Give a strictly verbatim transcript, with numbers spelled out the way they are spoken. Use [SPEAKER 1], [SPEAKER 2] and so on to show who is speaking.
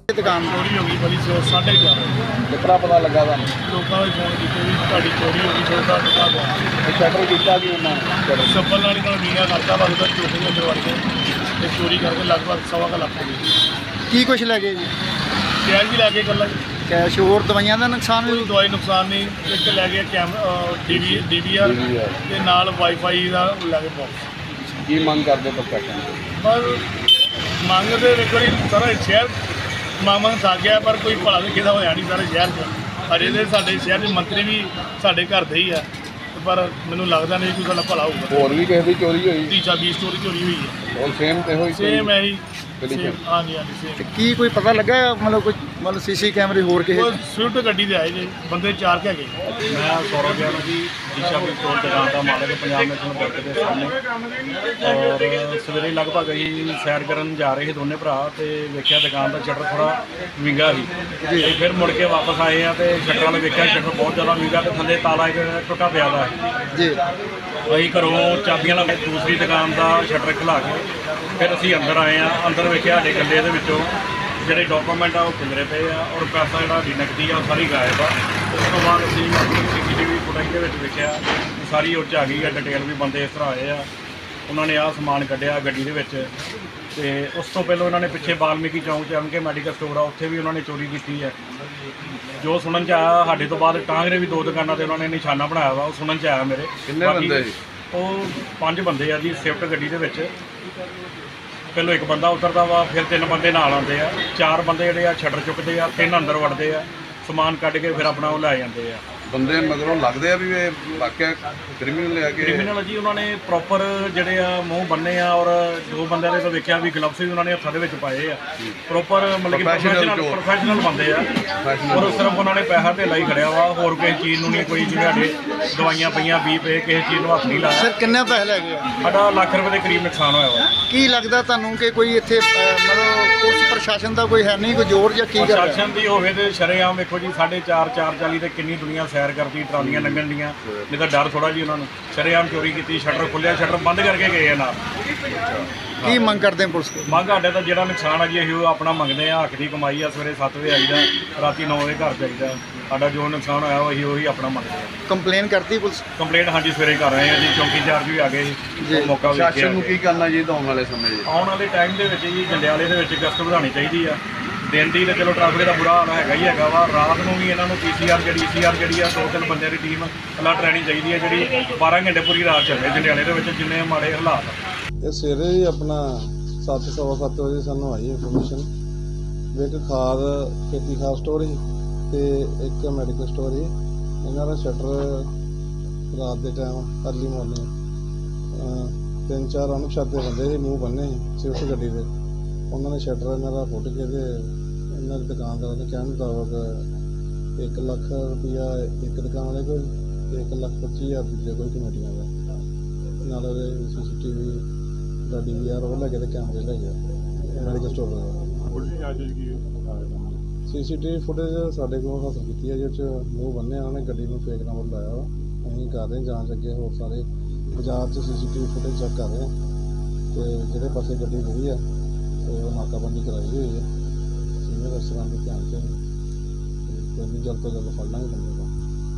[SPEAKER 1] दुकान
[SPEAKER 2] चोरी हो गई बड़ी सौ साढ़े ग्यारह
[SPEAKER 1] कितना पता लगा था
[SPEAKER 2] लोगों ने फोन किए भी ਤੁਹਾਡੀ चोरी हो गई सौ का टुका गया
[SPEAKER 1] शटर किया कि उन्होंने
[SPEAKER 2] सफल वाली का मीना करता बस उधर चोरी के अंदर वड़ के ते चोरी करके लगभग सवा का लाख हो गई
[SPEAKER 1] की कुछ लगे जी
[SPEAKER 2] कैश भी लैके गल
[SPEAKER 1] कैश और दवाइयां का नुकसान
[SPEAKER 2] कोई
[SPEAKER 1] भी
[SPEAKER 2] दवाई नुकसान नहीं एक लै गया camera D V D V R ਤੇ ਨਾਲ ਵਾਈਫਾਈ ਦਾ ਲੈ ਕੇ ਬਾਕਸ
[SPEAKER 1] की मंग करते प्रशासन
[SPEAKER 2] ਪਰ ਮੰਗਦੇ ਵੇਖੋ ਜੀ ਸਾਰਾ ਸ਼ਹਿਰ ਮਾਮਾ ਥੱਕ ਗਿਆ ਪਰ ਕੋਈ ਭਲਾ ਵੀ ਕਿਹਦਾ ਹੋਇਆ ਨਹੀਂ ਸਾਰੇ ਸ਼ਹਿਰ 'ਚ ਅਜੇ ਦੇ ਸਾਡੇ ਸ਼ਹਿਰ ਦੇ ਮੰਤਰੀ ਵੀ ਸਾਡੇ ਘਰ ਦੇ ਹੀ ਆ ਪਰ ਮੈਨੂੰ ਲੱਗਦਾ ਨਹੀਂ ਕੋਈ ਸਾਡਾ ਭਲਾ ਹੋਊਗਾ
[SPEAKER 1] और भी किसी की चोरी हुई
[SPEAKER 2] ਤੀਜਾ ਵੀਹ ਸਟੋਰੀ ਚੋਰੀ ਹੋਈ ਹੈ
[SPEAKER 1] और सेम ते हुई
[SPEAKER 2] ਸੇਮ ਹੈ ਜੀ
[SPEAKER 1] Condition?
[SPEAKER 2] same, ਹਾਂਜੀ ਹਾਂਜੀ ਸੇਮ
[SPEAKER 1] की कोई पता लगा मतलब कुछ मतलब सीसी कैमरे होर के
[SPEAKER 2] ਉਹ ਸਵਿਫਟ ਗੱਡੀ ਦੇ ਆਏ ਜੀ ਬੰਦੇ ਚਾਰ ਕੇ ਹੈਗੇ
[SPEAKER 3] मैं सौरभ ਗਿਆਨ जी ईशा भी स्टोर दुकान का मालिक पंजाब नेशनल बैंक के सामने और सवेरे लगभग ਅਸੀਂ सैर करन जा रहे थे दोनों भरा तो वेख्या दुकान का शटर थोड़ा विंगा सी ते फिर मुड़ के वापस आए हैं तो शटर वाले वेख्या शटर बहुत ज़्यादा विंगा तो थल्ले ताला एक टुटा पिया दा
[SPEAKER 1] जी
[SPEAKER 3] ਅਸੀਂ ਘਰੋਂ ਚਾਬੀਆਂ ਲਾ ਕੇ ਦੂਸਰੀ ਦੁਕਾਨ ਦਾ ਸ਼ਟਰ ਖੁਲਾ ਕੇ ਫਿਰ ਅਸੀਂ ਅੰਦਰ ਆਏ ਆ ਅੰਦਰ ਵੇਖਿਆ ਸਾਡੇ ਗੱਲੇ ਦੇ ਵਿੱਚੋਂ ਜਿਹੜੇ ਡਾਕੂਮੈਂਟ ਆ ਉਹ ਖਿਲਰੇ ਪਏ ਆ ਔਰ ਪੈਸਾ ਜਿਹੜਾ ਵੀ ਨਕਦੀ ਆ ਉਹ ਸਾਰੀ ਗਾਇਬ ਆ ਉਸ ਤੋਂ ਬਾਅਦ ਅਸੀਂ ਆਪਣੀ ਸੀਸੀਟੀਵੀ ਫੁਟੇਜ ਦੇ ਵਿੱਚ ਵੇਖਿਆ ਸਾਰੀ ਉਹ 'ਚ ਆ ਗਈ ਆ ਡਿਟੇਲ ਵੀ ਬੰਦੇ ਇਸ ਤਰ੍ਹਾਂ ਆਏ ਆ ਉਹਨਾਂ ਨੇ ਆਹ ਸਮਾਨ ਕੱਢਿਆ ਗੱਡੀ ਦੇ ਵਿੱਚ ਤੇ ਉਸ ਤੋਂ ਪਹਿਲਾਂ ਉਹਨਾਂ ਨੇ ਪਿੱਛੇ ਬਾਲਮੀਕੀ ਚੌਂਕ 'ਚ ਐਮ ਕੇ ਮੈਡੀਕਲ ਸਟੋਰ ਆ ਉੱਥੇ ਵੀ ਉਹਨਾਂ ਨੇ ਚੋਰੀ ਕੀਤੀ ਹੈ ਜੋ ਸੁਣਨ 'ਚ ਆਇਆ ਸਾਡੇ ਤੋਂ ਬਾਅਦ ਟਾਂਗਰੇ ਵੀ ਦੋ ਦੁਕਾਨਾਂ ਤੇ ਉਹਨਾਂ ਨੇ ਨਿਸ਼ਾਨਾ ਬਣਾਇਆ ਵਾ ਉਹ ਸੁਣਨ 'ਚ ਆਇਆ ਮੇਰੇ
[SPEAKER 1] किन्ने बंदे जी
[SPEAKER 3] ਉਹ ਪੰਜ ਬੰਦੇ ਆ ਜੀ ਸਵਿਫਟ ਗੱਡੀ ਦੇ ਵਿੱਚ ਪਹਿਲੋਂ ਇੱਕ ਬੰਦਾ ਉਤਰਦਾ ਵਾ ਫਿਰ ਤਿੰਨ ਬੰਦੇ ਨਾਲ ਆਉਂਦੇ ਆ ਚਾਰ ਬੰਦੇ ਜਿਹੜੇ ਆ ਸ਼ਟਰ ਚੁੱਕਦੇ ਆ ਤਿੰਨ ਅੰਦਰ ਵੜਦੇ ਆ ਸਮਾਨ ਕੱਢ ਕੇ ਫਿਰ ਆਪਣਾ ਉਹ ਲੈ ਜਾਂਦੇ ਆ
[SPEAKER 4] ਬੰਦੇ ਮਗਰੋਂ ਲੱਗਦੇ ਆ ਵੀ ਇਹ ਵਾਕਿਆ ਕ੍ਰਿਮੀਨਲ ਲਿਆ ਕੇ
[SPEAKER 3] ਕ੍ਰਿਮੀਨਲ ਜੀ ਉਹਨਾਂ ਨੇ ਪ੍ਰੋਪਰ ਜਿਹੜੇ ਆ ਮੂੰਹ ਬੰਨੇ ਆ ਔਰ ਦੋ ਬੰਦਿਆਂ ਦੇ ਤੋਂ ਵੇਖਿਆ ਵੀ ਗਲਵਸ ਵੀ ਉਹਨਾਂ ਨੇ ਹੱਥਾਂ ਦੇ ਵਿੱਚ ਪਾਏ ਆ ਪ੍ਰੋਪਰ ਮਤਲਬ ਕਿ ਪ੍ਰੋਫੈਸ਼ਨਲ ਪ੍ਰੋਫੈਸ਼ਨਲ ਬੰਦੇ ਆ ਔਰ ਸਿਰਫ ਉਹਨਾਂ ਨੇ ਪੈਸਾ ਤੇ ਲਾਈ ਖੜਿਆ ਵਾ ਹੋਰ ਕਿਸੇ ਚੀਜ਼ ਨੂੰ ਨਹੀਂ ਕੋਈ ਜਿਹੜੇ ਸਾਡੇ ਦਵਾਈਆਂ ਪਈਆਂ ਵੀਹ ਪਏ ਕਿਸੇ ਚੀਜ਼ ਨੂੰ ਹੱਥ ਨਹੀਂ ਲਾਇਆ
[SPEAKER 1] सर किन्ने पैसे लगे
[SPEAKER 3] ਸਾਡਾ ਲੱਖ ਰੁਪਏ ਦੇ ਕਰੀਬ ਨੁਕਸਾਨ ਹੋਇਆ ਵਾ
[SPEAKER 1] की लगता ਤੁਹਾਨੂੰ ਕਿ ਕੋਈ ਇੱਥੇ ਅਹ, ਮਤਲਬ ਪੁਲਿਸ ਪ੍ਰਸ਼ਾਸਨ ਦਾ ਕੋਈ ਹੈ ਨਹੀਂ ਕੋਈ ਜ਼ੋਰ ਜਾਂ ਕੀ ਕਰ ਰਿਹਾ
[SPEAKER 3] ਪ੍ਰਸ਼ਾਸਨ ਦੀ ਹੋਵੇ ਤੇ ਸ਼ਰੇਆਮ ਵੇਖੋ ਜੀ ਸਾਢੇ ਚਾਰ ਚਾਰ ਚਾਲੀ ਤੇ ਕਿੰਨੀ ਦੁਨੀਆ ਸੈਰ ਕਰਦੀ ਟਰਾਲੀਆਂ ਲੰਘਣ ਦੀਆਂ ਨਹੀਂ ਤਾਂ ਡਰ ਥੋੜਾ ਜੀ ਉਹਨਾਂ ਨੂੰ ਸ਼ਰੇਆਮ ਚੋਰੀ ਕੀਤੀ ਸ਼ਟਰ ਖੁੱਲਿਆ ਸ਼ਟਰ ਬੰਦ ਕਰਕੇ ਗਏ ਆ ਨਾਲ
[SPEAKER 1] ਕੀ ਮੰਗ ਕਰਦੇ ਆ ਪੁਲਿਸ ਕੋਲ
[SPEAKER 3] ਮੰਗ ਸਾਡੇ ਤਾਂ ਜਿਹੜਾ ਨੁਕਸਾਨ ਆ ਜੀ ਅਸੀਂ ਉਹ ਆਪਣਾ ਮੰਗਦੇ ਆ ਹੱਕ ਦੀ ਕਮਾਈ ਆ ਸਵੇਰੇ ਸੱਤ ਵਜੇ ਆਈਦਾ ਰਾਤੀ ਨੌ ਵਜੇ ਘਰ ਜਾਈਦਾ ਸਾਡਾ ਜੋ ਨੁਕਸਾਨ ਹੋਇਆ ਉਹ ਅਸੀਂ ਉਹੀ ਆਪਣਾ ਮੰਗਦੇ ਆ
[SPEAKER 1] ਕੰਪਲੇਨ ਕਰਤੀ ਪੁਲਿਸ
[SPEAKER 3] ਕੰਪਲੇਂਟ ਹਾਂਜੀ ਸਵੇਰੇ ਕਰ ਰਹੇ ਆ ਜੀ ਚੌਂਕੀ ਚਾਰਜ ਵੀ ਆ ਗਏ
[SPEAKER 1] ਜੀ।
[SPEAKER 3] ਉਹ ਮੌਕਾ ਵੇਖਿਆ
[SPEAKER 4] ਪ੍ਰਸ਼ਾਸਨ ਨੂੰ ਕੀ ਕਰਨਾ ਚਾਹੀਦਾ ਆਉਣ ਵਾਲੇ ਸਮੇਂ 'ਚ
[SPEAKER 3] ਆਉਣ ਵਾਲੇ ਟਾਈਮ ਦੇ ਵਿੱਚ ਜੀ ਜੰਡਿਆਲੇ ਦੇ ਵਿੱਚ ਗਸ਼ਤ ਵਧਾਉਣੀ ਚਾਹੀਦੀ ਆ ਦਿਨ ਦੀ ਤਾਂ ਚਲੋ ਟ੍ਰੈਫਿਕ ਦਾ ਬੁਰਾ ਹਾਲ ਹੈਗਾ ਹੀ ਹੈਗਾ ਵਾ ਰਾਤ ਨੂੰ ਵੀ ਇਹਨਾਂ ਨੂੰ ਪੀ ਸੀ ਆਰ ਜਿਹੜੀ ਈ ਸੀ ਆਰ ਜਿਹੜੀ ਆ ਦੋ ਤਿੰਨ ਬੰਦਿਆਂ ਦੀ ਟੀਮ ਅਲਰਟ ਰਹਿਣੀ ਚਾਹੀਦੀ ਹੈ ਜਿਹੜੀ ਬਾਰਾਂ ਘੰਟੇ ਪੂਰੀ ਰਾਤ ਚੱਲੇ ਜੰਡਿਆਲੇ ਦੇ ਵਿੱਚ ਜਿੰਨੇ ਮਾੜੇ ਹਾਲਾਤ ਆ
[SPEAKER 5] ਇਹ ਸਵੇਰੇ ਹੀ ਆਪਣਾ ਸੱਤ ਸਵਾ ਸੱਤ ਵਜੇ ਸਾਨੂੰ ਆਈ ਇਨਫੋਰਮੇਸ਼ਨ ਵੀ ਇੱਕ ਖਾਦ ਖੇਤੀ ਖਾਦ ਸਟੋਰ ਸੀ ਤੇ ਇੱਕ ਮੈਡੀਕਲ ਸਟੋਰ ਸੀ ਇਹਨਾਂ ਦਾ ਸ਼ਟਰ ਰਾਤ ਦੇ ਟਾਈਮ ਅਰਲੀ ਮਾਰਨਿੰਗ ਤਿੰਨ ਚਾਰ ਅਣਪਛਾਤੇ ਬੰਦੇ ਸੀ ਮੂੰਹ ਬੰਨੇ ਸੀ ਸਵਿਫਟ ਗੱਡੀ ਦੇ ਉਹਨਾਂ ਨੇ ਸ਼ਟਰ ਇਹਨਾਂ ਦਾ ਫੁੱਟ ਕੇ ਤੇ ਇਹਨਾਂ ਦੀ ਦੁਕਾਨਦਾਰ ਨੇ ਕਹਿਣ ਮੁਤਾਬਕ ਇੱਕ ਲੱਖ ਰੁਪਈਆ ਇੱਕ ਦੁਕਾਨ ਵਾਲੇ ਕੋਲ ਤੇ ਇੱਕ ਲੱਖ ਪੱਚੀ ਹਜ਼ਾਰ ਦੂਜੇ ਕੋਈ ਕਮੇਟੀਆਂ ਦਾ ਨਾਲ ਉਹਦੇ ਸੀ ਸੀ ਟੀ ਵੀ ਦਾ ਡੀ ਵੀ ਆਰ ਉਹ ਲੈ ਕੇ ਤੇ ਕੈਮਰੇ ਲੈ ਗਿਆ ਮੈਡੀਕਲ ਸਟੋਰ ਦਾ C C T V footage ਸਾਡੇ ਕੋਲ ਹਾਸਲ ਕੀਤੀ ਹੈ ਜਿਹਦੇ 'ਚ ਮੂੰਹ ਬੰਨਿਆ ਉਹਨਾਂ ਨੇ ਗੱਡੀ ਨੂੰ ਫੇਕ ਨੰਬਰ ਲਾਇਆ ਵਾ ਅਸੀਂ ਕਰ ਰਹੇ ਜਾਂਚ ਅੱਗੇ ਹੋਰ ਸਾਰੇ ਬਾਜ਼ਾਰ 'ਚ C C T V footage check ਕਰ ਰਹੇ ਹਾਂ ਤੇ ਜਿਹੜੇ ਪਾਸੇ ਗੱਡੀ ਗਈ ਆ ਤੇ ਉਹ ਨਾਕਾਬੰਦੀ ਕਰਾਈ ਹੋਈ ਹੈ ਸੀਨੀਅਰ ਅਫਸਰਾਂ ਦੇ ਧਿਆਨ 'ਚ ਕੋਈ ਨਹੀਂ ਜਲਦ ਤੋਂ ਜਲਦ ਫੜ ਲਾਂਗੇ ਬੰਦੇ ਨੂੰ